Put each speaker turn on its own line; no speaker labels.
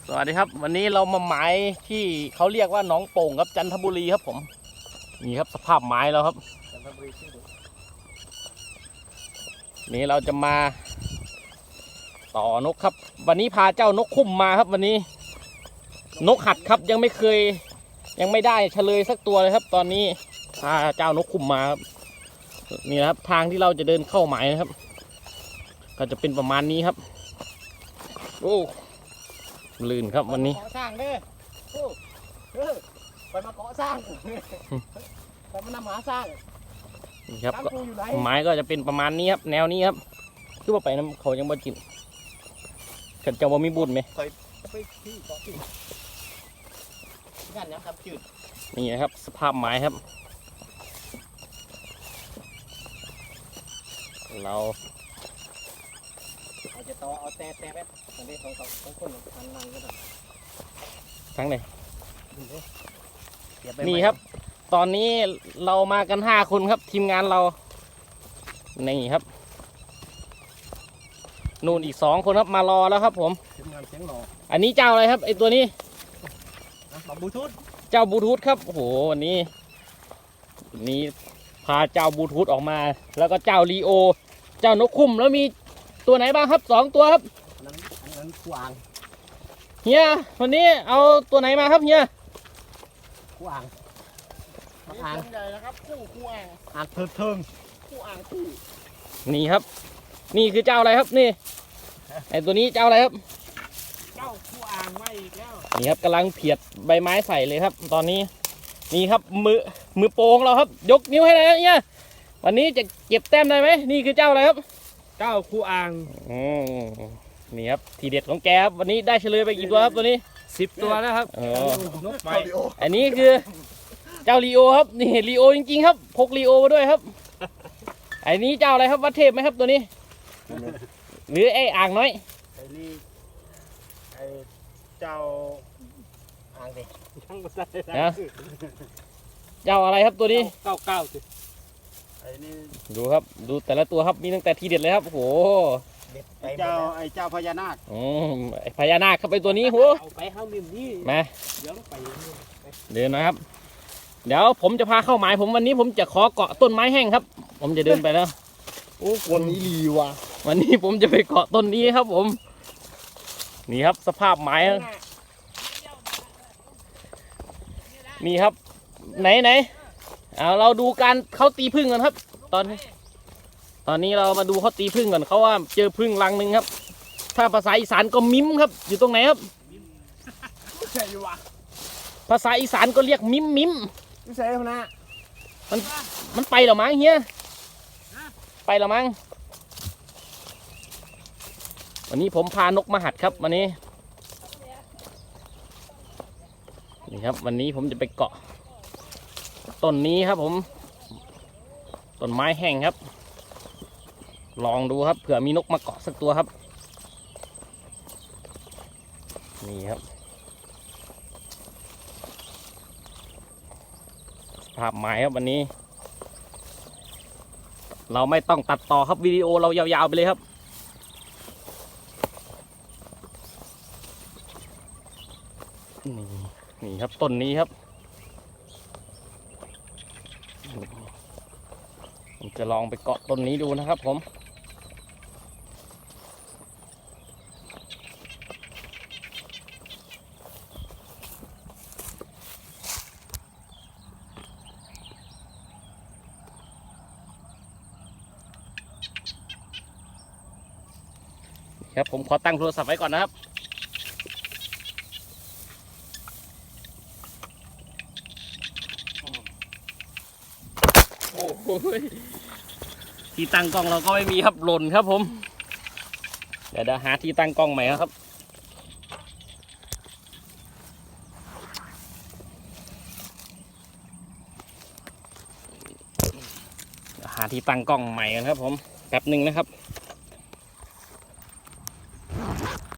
สวัสดีครับวันนี้เรามาหมายที่เขาเรียกว่าหนองโป่งครับจันทบุรีครับผมนี่ครับสภาพหมายแล้วครับนี่เราจะมาต่อนกครับวันนี้พาเจ้านกคุ้มมาครับวันนี้นกหัดครับยังไม่ได้เฉลยสักตัวเลยครับตอนนี้พาเจ้านกคุ้มมาครับนี่นะครับทางที่เราจะเดินเข้าหมายนะครับก็จะเป็นประมาณนี้ครับโอ้ลื่นครับวันนี้
เกาะสร้างเด้อไปมาเกาะสร้างไปมานำหาสร้าง
นี่ครับไม้ก็จะเป็นประมาณนี้ครับแนวนี้ครับคือว่าไปน้ำเขายังบ่จินกันจะว่ามีบุญไหม
ไปที่เกาะที่งานยังทำจืด
นี่นะครับสภาพไม้ครับเรา
จะต่อเอาแต่แบบอันนี้ของคนทางนั่งก็ได้
ทั้งไหนนี่ครับตอนนี้เรามากัน5 คนครับทีมงานเรานี่ครับนู่นอีก2 คนครับมารอแล้วครับผม
ทีมงานเสียงหล่อ
อันนี้เจ้าอะไรครับไอตัวนี้
บลูทูธ
เจ้าบลูทูธครับโอ้โหวันนี้พาเจ้าบลูทูธออกมาแล้วก็เจ้าลีโอเจ้านกคุ้มแล้วมีตัวไหนบ้างครับ2 ตัวครับ
อันนั้นขวาง
เฮียวันนี้เอาตัวไหนมาครับเฮีย
ขวางอ่าง
ใหญ่นะครับคู่อ่าง
อ่างเทิง
คู่อ่างคู่
นี่ครับนี่คือเจ้าอะไรครับนี่ไอตัวนี้เจ้าอะไรครับ
เจ้าคู่อ่างมาอีกแล้ว
นี่ครับกำลังเพียดใบไม้ใส่เลยครับตอนนี้นี่ครับมือโป่งเราครับยกนิ้วให้เลยนะเนี่ยวันนี้จะเก็บแต้มได้ไหมนี่คือเจ้าอะไรครับ
เจ้าคู่อ่าง
นี่ครับทีเด็ดของแกครับวันนี้ได้เฉลยไปกี่ตัวครับตัวนี้
10 ตัวแล้วครับ
นกไป
อันนี้คือเจ้าลีโอครับนี่ลีโอจริงๆครับพกลีโอมาด้วยครับอันนี้เจ้าอะไรครับวัดเทพไหมครับตัวนี้หรือไอ้อ่างน้อย
ไอ้นี่ไอ้เจ้าอ่างดิ
ช่างมาได้
นะเจ้าอะไรครับตัวนี้
99สิ
ไอ้นี่
ดูครับดูแต่ละตัวครับมีตั้งแต่ทีเด็ดเลยครับโอ้โห
ไอ้เจ้าพญานาค
ไอ้พญานาคครับไปตัวนี้โห
เอาไปห้ามิมนี่
มา
เดี๋ยวไป
เดินนะครับเดี๋ยวผมจะพาเข้าหมายผมวันนี้ผมจะขอเกาะต้นไม้แห้งครับผมจะเดินไปแล้ว
โอ้คนนี้ดีว่ะ
วันนี้ผมจะไปเกาะต้นนี้ครับผมนี่ครับสภาพไม้นี่ครับไหนเอาเราดูการเขาตีผึ้งกันครับตอนนี้เรามาดูเขาตีผึ้งก่อนเขาว่าเจอผึ้งรังหนึ่งครับถ้าภาษาอีสานก็มิ้มครับอยู่ตรงไหนครับ
ใช่วะ
ภาษาอีสานก็เรียกมิ้ม
ไม่ใช่พนะ
มันไปหรอมั้งเฮียไปหรอมั้งวันนี้ผมพานกมาหัดครับวันนี้นี่ครับวันนี้ผมจะไปเกาะต้นนี้ครับผมต้นไม้แห้งครับลองดูครับเผื่อมีนกมาเกาะสักตัวครับนี่ครับภาพไม้ครับวันนี้เราไม่ต้องตัดต่อครับวิดีโอเรายาวๆไปเลยครับนี่ครับต้นนี้ครับผมจะลองไปเกาะต้นนี้ดูนะครับผมครับผมขอตั้งโทรศัพท์ไว้ก่อนนะครับโอ้โหที่ตั้งกล้องเราก็ไม่มีครับหล่นครับผมเดี๋ยวหาที่ตั้งกล้องใหม่ครับหาที่ตั้งกล้องใหม่กันครับผมแป๊บหนึ่งนะครับ